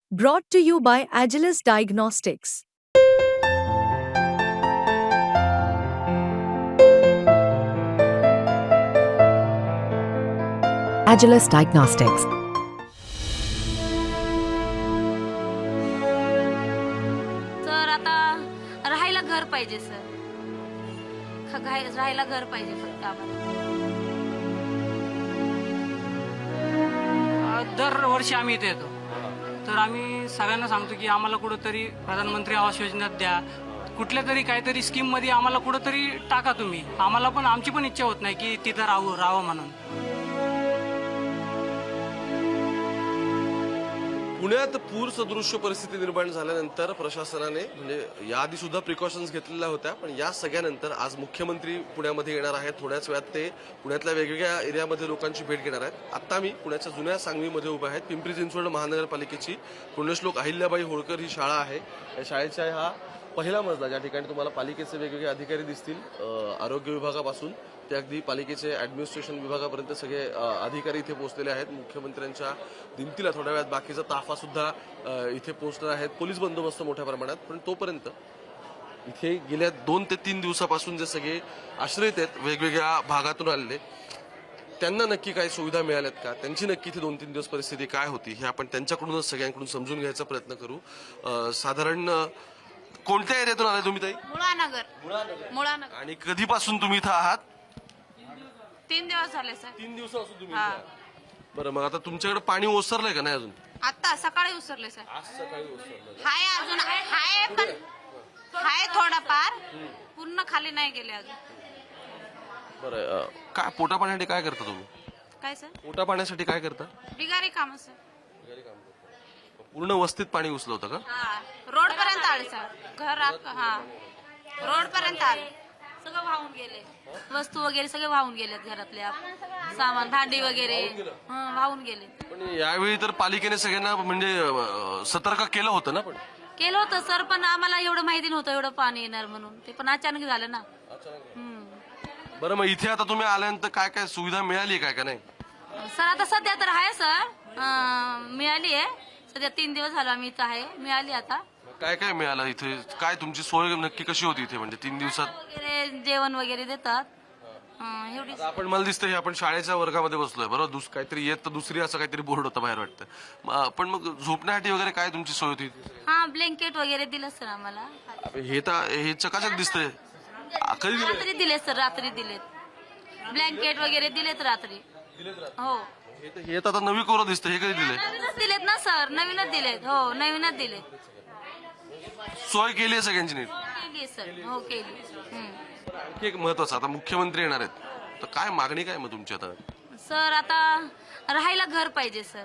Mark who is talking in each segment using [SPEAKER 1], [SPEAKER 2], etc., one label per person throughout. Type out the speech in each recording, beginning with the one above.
[SPEAKER 1] Brought to you by Agilus Diagnostics.
[SPEAKER 2] Agilus Diagnostics.
[SPEAKER 3] Sir आता राहायला घर पाहिजे सर. राहायला घर पाहिजे फक्त आम्हाला.
[SPEAKER 4] दरवर्षी आम्ही इथे येतो, तर आम्ही सगळ्यांना सांगतो की आम्हाला कुठंतरी प्रधानमंत्री आवास योजनेत द्या, कुठल्या तरी काहीतरी स्कीममध्ये आम्हाला कुठंतरी टाका तुम्ही. आम्हाला पण आमची पण इच्छा होत नाही की तिथं राहावं म्हणून.
[SPEAKER 5] पुण्यात पूर सदृश्य परिस्थिती निर्माण झाल्यानंतर प्रशासनाने म्हणजे याआधी सुद्धा प्रिकॉशन्स घेतलेल्या होत्या, पण या सगळ्यानंतर आज मुख्यमंत्री पुण्यामध्ये येणार आहेत. थोड्याच वेळात ते पुण्यातल्या वेगवेगळ्या एरियामध्ये लोकांची भेट घेणार आहेत. आता मी पुण्याच्या जुन्या सांगवीमध्ये उभा आहे. पिंपरी चिंचवड महानगरपालिकेची पुण्यश्लोक अहिल्याबाई होळकर ही शाळा आहे. या शाळेच्या हा पहिला मजला, ज्या ठिकाणी तुम्हाला पालिकेचे वेगवेगळे अधिकारी दिसतील, आरोग्य विभागापासून ते अगदी पालिकेचे ऍडमिनिस्ट्रेशन विभागापर्यंत सगळे अधिकारी इथे पोहोचलेले आहेत. मुख्यमंत्र्यांच्या दिमतीला थोड्या वेळात बाकीचा ताफा सुद्धा इथे पोहोचणार आहेत. पोलीस बंदोबस्त मोठ्या प्रमाणात. पण तोपर्यंत इथे गेल्या 2 ते 3 दिवसापासून जे सगळे आश्रयित आहेत वेगवेगळ्या भागातून आलेले, त्यांना नक्की काही सुविधा मिळाल्यात का, त्यांची नक्की इथे 2-3 दिवस परिस्थिती काय होती, हे आपण त्यांच्याकडूनच सगळ्यांकडून समजून घ्यायचा प्रयत्न करू. साधारण कोणत्या एरियातून आलाय तुम्ही ताई?
[SPEAKER 3] मुळानगर.
[SPEAKER 5] आणि कधीपासून तुम्ही इथं आहात?
[SPEAKER 3] 3 दिवस झाले सर.
[SPEAKER 5] 3 दिवसापासून तुम्ही इथे आहात. बरं, मग आता तुमच्याकडे पाणी ओसरलंय का नाही अजून?
[SPEAKER 3] आता सकाळी उसरले सर.
[SPEAKER 5] आज सकाळी ओसरलं.
[SPEAKER 3] हाय अजून हाय, पण हाय थोडाफार, पूर्ण खाली नाही गेले अजून.
[SPEAKER 5] बरं, काय पोटा पाण्यासाठी काय करता तुम्ही?
[SPEAKER 3] काय सर?
[SPEAKER 5] पोटा पाण्यासाठी काय करता?
[SPEAKER 3] बिगारी काम सर.
[SPEAKER 5] पूर्ण वस्तीत पाणी घुसलं होतं का?
[SPEAKER 3] हा, रोड पर्यंत आले सर. घर हा, रोड पर्यंत आले. सगळं वाहून गेले. वस्तू वगैरे सगळे वाहून गेलेत. घरातल्या सामान, भांडी वगैरे वाहून गेले.
[SPEAKER 5] पण यावेळी तर पालिकेने सगळ्यांना म्हणजे सतर्क केलं होतं ना? पण
[SPEAKER 3] केलं होतं सर, पण आम्हाला एवढं माहिती नव्हतं एवढं पाणी येणार म्हणून. ते पण अचानक झालं ना.
[SPEAKER 5] बरं, मग इथे आता तुम्ही आल्यानंतर काय काय सुविधा मिळाली काय का नाही?
[SPEAKER 3] सर आता सध्या तर आहे सर, मिळाली आहे. सध्या 3 दिवस झाला आम्ही इथं आहे, मिळाली आता.
[SPEAKER 5] काय काय मिळालं इथे? काय तुमची सोय नक्की कशी होती इथे? म्हणजे 3 दिवसात
[SPEAKER 3] वगैरे जेवण वगैरे देतात. एवढी
[SPEAKER 5] आता आपण, मला दिसतं हे आपण शाळेच्या वर्गामध्ये बसलोय बरोबर. काहीतरी येत तर दुसरी असं काहीतरी बोर्ड होता बाहेर वाटतं. पण मग झोपण्यासाठी वगैरे काय तुमची सोय होती?
[SPEAKER 3] हा, ब्लँकेट वगैरे दिलं सर आम्हाला.
[SPEAKER 5] हे तर हे चकाचक दिसतंय. कधी दिलं?
[SPEAKER 3] रात्री दिले सर, रात्री दिलेत. ब्लँकेट वगैरे दिलेत रात्री. हो,
[SPEAKER 5] हे तर आता नवी कोरं दिसतं. हे कधी दिले?
[SPEAKER 3] नवीनच दिलेत ना सर, नवीनच दिलेत. हो, नवीनच दिलेत.
[SPEAKER 5] सोय केली आहे सगळ्यांची नीट?
[SPEAKER 3] केली सर, हो केली.
[SPEAKER 5] आणखी एक महत्वाचं, आता मुख्यमंत्री येणार आहेत, तर काय मागणी काय मग तुमची आता?
[SPEAKER 3] सर आता राहायला घर पाहिजे सर.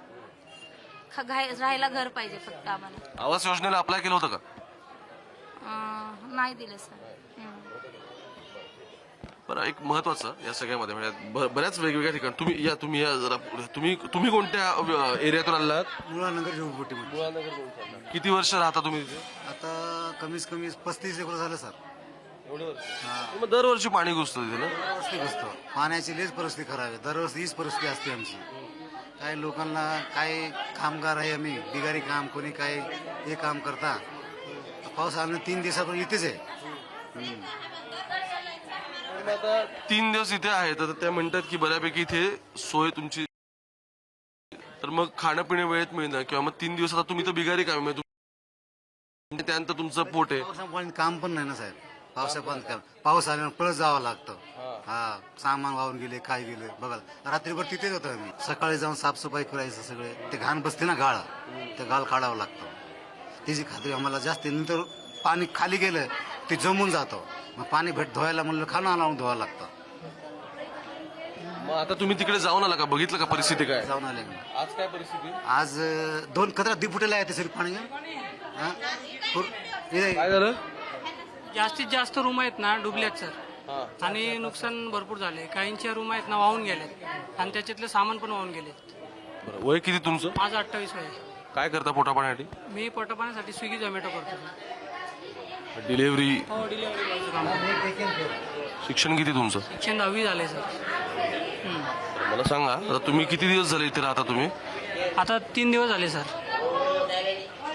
[SPEAKER 3] राहायला घर पाहिजे फक्त आम्हाला.
[SPEAKER 5] आवास योजनेला अप्लाय केलं होतं का?
[SPEAKER 3] नाही दिलं सर.
[SPEAKER 5] बरं, एक महत्वाचं या सगळ्यामध्ये म्हणजे बऱ्याच वेगवेगळ्या ठिकाणी तुम्ही या जरा पुढे. तुम्ही कोणत्या एरियातून आलात?
[SPEAKER 6] मुळानगर झोपडपट्टीमध्ये.
[SPEAKER 5] किती वर्ष राहता तुम्ही तिथे?
[SPEAKER 6] आता कमीत कमी 35 एकर झालं सर.
[SPEAKER 5] मग दरवर्षी पाणी घुसतं तिथे ना?
[SPEAKER 6] परिस्थिती असतो, पाण्याची लईच परिस्थिती खराब आहे. दरवर्षी हीच परिस्थिती असते आमची. काही लोकांना, काही कामगार आहे आम्ही, बिगारी काम, कोणी काय हे काम करता. पाऊस आल्यानं 3 दिवसापासून इथेच आहे.
[SPEAKER 5] आता 3 दिवस इथे आहे, तर त्या म्हणतात की बऱ्यापैकी इथे सोय तुमची, तर मग खाणं पिणे वेळेत मिळणार किंवा मग 3 दिवस आता तुम्ही तर बिगारी काम आहे, त्यानंतर तुमचं पोट आहे.
[SPEAKER 6] पावसापाणी काम पण नाही ना साहेब. पावसापाणी पाऊस आल्यानं पळत जावं लागतं. हा, सामान वाहून गेले, काय गेले बघा. रात्रीभर तिथेच होतो आम्ही. सकाळी जाऊन साफसफाई करायचं सगळे. ते घाण बसते ना गाळ, ते गाळ काढावं लागतं. त्याची खात्री आम्हाला जास्त. नंतर पाणी खाली गेलं ते जमून जातं. मग पाणी धुवायला म्हणलं खाणं लावून धुवावं लागतं.
[SPEAKER 5] मग आता तुम्ही तिकडे जाऊन आला का? बघितलं का परिस्थिती काय?
[SPEAKER 6] जाऊन आले मी.
[SPEAKER 5] आज काय परिस्थिती?
[SPEAKER 6] आज 2 कचरा दिपुटेला येते सर पाणी. हा?
[SPEAKER 5] काय झालं?
[SPEAKER 4] जास्तीत जास्त रूम आहेत ना डुबल्यात सर, आणि नुकसान भरपूर झाले. काहींच्या रूम आहेत ना वाहून गेलेत, आणि त्याच्यातले सामान पण वाहून गेलेत.
[SPEAKER 5] बरं, वय किती तुमचं?
[SPEAKER 4] माझं 28 वय.
[SPEAKER 5] काय करता पोटा पाण्यासाठी?
[SPEAKER 4] मी पोटापाण्यासाठी स्विगी झोमॅटो करतो.
[SPEAKER 5] डिलिव्हरी.
[SPEAKER 4] हो, डिलिव्हरी काम.
[SPEAKER 5] शिक्षण किती तुमचं?
[SPEAKER 4] शिक्षण 10वी झाले सर.
[SPEAKER 5] मला सांगा, आता तुम्ही किती दिवस झाले इथे राहता तुम्ही?
[SPEAKER 4] आता 3 दिवस झाले सर.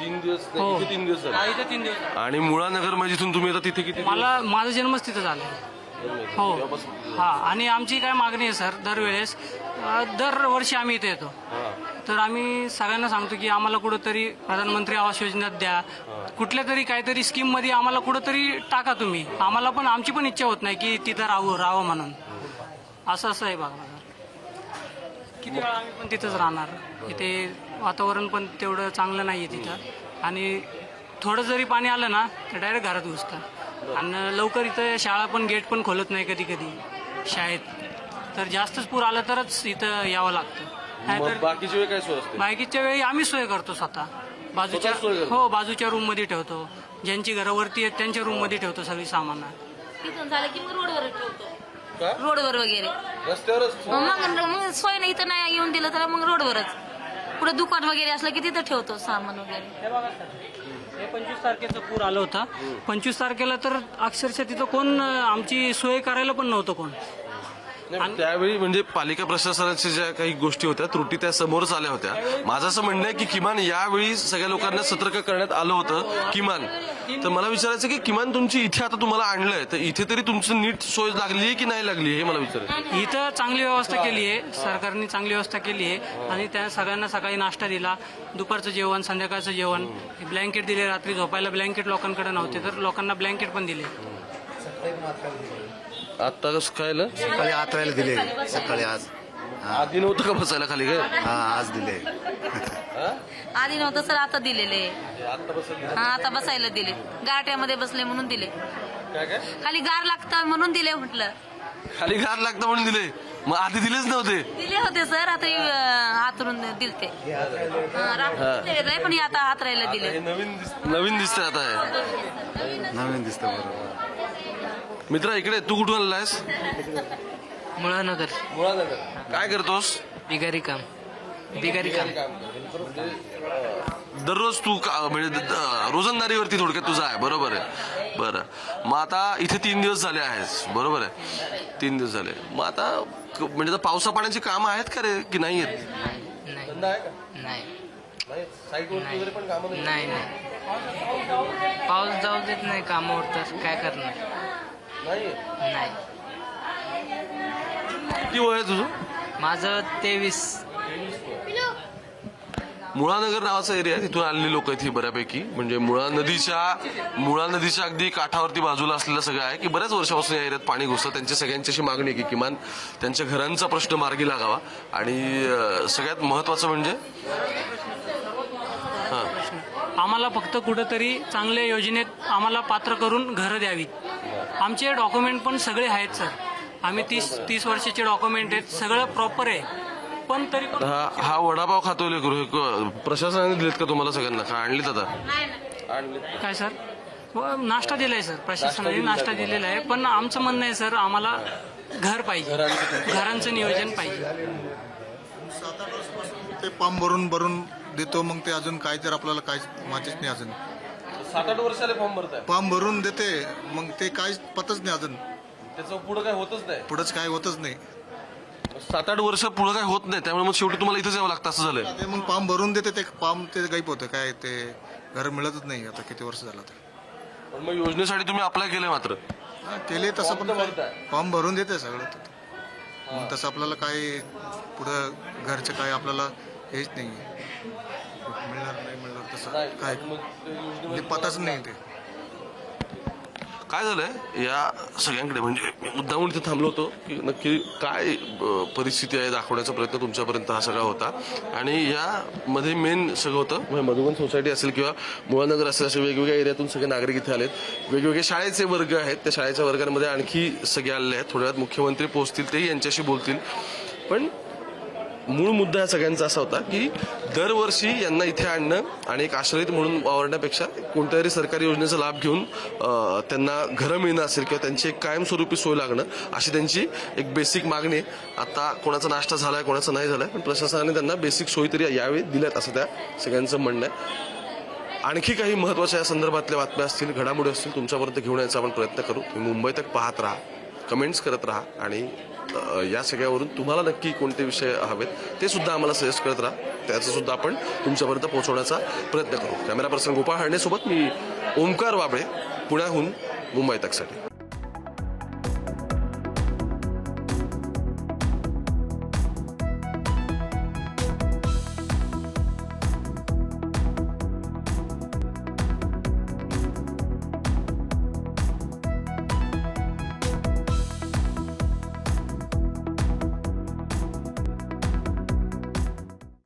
[SPEAKER 5] 3 दिवस
[SPEAKER 4] हो.
[SPEAKER 5] इथे 3 दिवस
[SPEAKER 4] हा,
[SPEAKER 5] झाले
[SPEAKER 4] इथे 3 दिवस झाले.
[SPEAKER 5] आणि मुळानगर म्हणजे इथून तुम्ही आता तिथे किती
[SPEAKER 4] माझा जन्मच तिथं झाला हो. हा, आणि आमची काय मागणी आहे सर, दरवेळेस दरवर्षी आम्ही इथे येतो, तर आम्ही सगळ्यांना सांगतो की आम्हाला कुठंतरी प्रधानमंत्री आवास योजनेत द्या, कुठल्या तरी काहीतरी स्कीम मध्ये आम्हाला कुठंतरी टाका तुम्ही. आम्हाला पण आमची पण इच्छा होत नाही की तिथं राहावं म्हणून. असं आहे बघा. किती वेळा आम्ही पण तिथंच राहणार. इथे वातावरण पण तेवढं चांगलं नाही आहे तिथं, आणि थोडं जरी पाणी आलं ना तर डायरेक्ट घरात घुसतं. आणि लवकर इथं शाळा पण गेट पण खोलत नाही कधी कधी शाळेत, तर जास्तच पूर आलं तरच इथं यावं लागतं. नाहीतर
[SPEAKER 5] बाकीची वेळ काय सोय असते
[SPEAKER 4] बाकीच्या वेळी आम्ही सोय करतो स्वतः. बाजूच्या
[SPEAKER 5] स्वतः सोय करता?
[SPEAKER 4] हो, बाजूच्या रूम मध्ये ठेवतो. ज्यांची घरावरती आहेत त्यांच्या रूम मध्ये ठेवतो सगळी सामान.
[SPEAKER 3] तिथून झालं की मग रोडवर ठेवतो,
[SPEAKER 5] का?
[SPEAKER 3] रोडवर वगैरे.
[SPEAKER 5] रस्त्यावरच
[SPEAKER 3] मग सोय नाही तर नाही येऊन दिलं तर मग रोडवरच. पुढे दुकान वगैरे असलं की तिथं ठेवतो सामान वगैरे.
[SPEAKER 4] हे 25 तारखेचं पूर आलं होतं. 25 तारखेला तर अक्षरशः तिथं कोण आमची सोय करायला पण नव्हतं कोण.
[SPEAKER 5] नाही, त्यावेळी म्हणजे पालिका प्रशासनाच्या ज्या काही गोष्टी होत्या, त्रुटी त्या समोरच आल्या होत्या. माझं असं म्हणणं आहे की किमान यावेळी सगळ्या लोकांना सतर्क करण्यात आलं होतं किमान. तर मला विचारायचं की किमान तुमची इथे आता तुम्हाला आणलंय, तर इथे तरी तुमची नीट सोय लागली आहे की नाही लागली हे मला विचारायचं.
[SPEAKER 4] इथं चांगली व्यवस्था केली आहे, सरकारने चांगली व्यवस्था केली आहे. आणि त्या सगळ्यांना सकाळी नाश्ता दिला, दुपारचं जेवण, संध्याकाळचं जेवण, ब्लँकेट दिले. रात्री झोपायला ब्लँकेट लोकांकडे नव्हते तर लोकांना ब्लँकेट पण दिले.
[SPEAKER 5] आता कसं खायला
[SPEAKER 6] सकाळी आत राहायला दिले सकाळी आज.
[SPEAKER 5] आधी नव्हतं का बसायला खाली काय?
[SPEAKER 6] हा आज दिले.
[SPEAKER 3] आधी नव्हतं सर, आता दिलेले.
[SPEAKER 5] आता बसायला
[SPEAKER 3] हा, आता बसायला दिले. गारट्यामध्ये बसले म्हणून दिले.
[SPEAKER 5] काय काय
[SPEAKER 3] खाली गार लागतं म्हणून दिले म्हटलं.
[SPEAKER 5] खाली घात लागतं म्हणून दिले, मग आधी दिलेच नव्हते.
[SPEAKER 3] दिले होते सर, आता हातरून दिलते. रात्री पण आता हात राहायला दिले.
[SPEAKER 5] हे नवीन दिसतंय आता हे.
[SPEAKER 6] नवीन दिसतं बरोबर.
[SPEAKER 5] मित्रा इकडे, तू कुठून आलायस?
[SPEAKER 4] मुळानगर.
[SPEAKER 5] मुळानगर. काय करतोस?
[SPEAKER 4] बिगारी काम.
[SPEAKER 5] दररोज तू म्हणजे रोजंदारीवरती थोडक्यात तुझा आहे, बरोबर आहे. बरं, मग आता इथे 3 दिवस झाले आहेस, बरोबर आहे. 3 दिवस झाले, मग आता म्हणजे पावसा पाण्याची कामं आहेत का रे की नाही आहेत?
[SPEAKER 7] नाही पाऊस जाऊ देत नाही कामावर, तर काय करणार. नाही.
[SPEAKER 5] किती वय आहे तुझं?
[SPEAKER 7] माझं 23.
[SPEAKER 5] मुळानगर नावाचा एरिया आहे, तिथून आलेली लोक आहेत ही बऱ्यापैकी. म्हणजे मुळा नदीच्या अगदी काठावरती बाजूला असलेलं सगळं आहे की बऱ्याच वर्षापासून या एरियात पाणी घुसतं. त्यांची सगळ्यांची अशी मागणी आहे की किमान त्यांच्या घरांचा प्रश्न मार्गी लागावा. आणि सगळ्यात महत्वाचं म्हणजे
[SPEAKER 4] आम्हाला फक्त कुठंतरी चांगल्या योजनेत आम्हाला पात्र करून घरं द्यावीत. आमचे डॉक्युमेंट पण सगळे आहेत सर. आम्ही 30 वर्षाचे डॉक्युमेंट आहेत, सगळं प्रॉपर आहे. पण तरी पण
[SPEAKER 5] हा वडापाव खातोय लेकरू, प्रशासनाने दिलेत का तुम्हाला सगळ्यांना? का आणलीत आता?
[SPEAKER 4] काय सर, नाश्ता दिलाय सर, प्रशासनाने नाश्ता दिलेला आहे. पण आमचं म्हणणं आहे सर, आम्हाला घर पाहिजे, घरांचं नियोजन पाहिजे.
[SPEAKER 8] 7-8 वर्षापासून ते पंप भरून देतो, मग ते अजून काय तर आपल्याला काय माहितीच नाही. अजून
[SPEAKER 5] 7-8 वर्षाला फॉर्म भरताय,
[SPEAKER 8] पंप भरून देते, मग ते काय पतच नाही. अजून
[SPEAKER 5] त्याचं पुढे काय होतच नाही.
[SPEAKER 8] पुढंच काय होतच नाही.
[SPEAKER 5] 7-8 वर्ष पुढे काय होत नाही, त्यामुळे मग शेवटी तुम्हाला इथेच यावं लागतं असं झालंय.
[SPEAKER 8] ते मग पंप भरून देते, ते पंप ते गायब होतं. काय ते घर मिळतच नाही आता किती वर्ष झालं तर.
[SPEAKER 5] पण मग योजनेसाठी तुम्ही अप्लाय केलंय मात्र?
[SPEAKER 8] हा, केले तसं पण पंप भरून देते सगळं. मग तसं आपल्याला काय पुढं घरचं काय आपल्याला हेच नाही. मिळणार नाही मिळणार तसं काय म्हणजे पताच नाही. ते
[SPEAKER 5] काय झालंय या सगळ्यांकडे, म्हणजे मी मुद्दामून इथे थांबलो होतो की नक्की काय परिस्थिती आहे दाखवण्याचा प्रयत्न तुमच्यापर्यंत हा सगळा होता. आणि यामध्ये मेन सगळं होतं म्हणजे मधुबन सोसायटी असेल किंवा मुळानगर असेल, असे वेगवेगळ्या एरियातून सगळे नागरिक इथे आलेत. वेगवेगळे शाळेचे वर्ग आहेत, त्या शाळेच्या वर्गांमध्ये आणखी सगळे आलेले आहेत. थोड्या वेळात मुख्यमंत्री पोहोचतील, तेही यांच्याशी बोलतील. पण मूळ मुद्दा या सगळ्यांचा असा होता की दरवर्षी यांना इथे आणणं आणि एक आश्रयित म्हणून वावरण्यापेक्षा कोणत्या तरी सरकारी योजनेचा लाभ घेऊन त्यांना घरं मिळणं असेल किंवा त्यांची एक कायमस्वरूपी सोय लागणं, अशी त्यांची एक बेसिक मागणी आहे. आता कोणाचा नाश्ता झालाय, कोणाचा नाही झालाय, पण प्रशासनाने त्यांना बेसिक सोयी तरी यावेळी दिल्यात असं त्या सगळ्यांचं म्हणणं आहे. आणखी काही महत्त्वाच्या या संदर्भातल्या बातम्या असतील, घडामोडी असतील, तुमच्यापर्यंत घेऊन यायचा आपण प्रयत्न करू. तुम्ही मुंबई तक पाहत राहा, कमेंट्स करत राहा आणि या सगळ्यावरून तुम्हाला नक्की कोणते विषय हवेत ते सुद्धा आम्हाला सजेस्ट करत राहा. त्याचं सुद्धा आपण तुमच्यापर्यंत पोहोचवण्याचा प्रयत्न करू. कॅमेरा पर्सन गोपाळ हळणेसोबत मी ओमकार वाबळे, पुण्याहून मुंबई तकसाठी.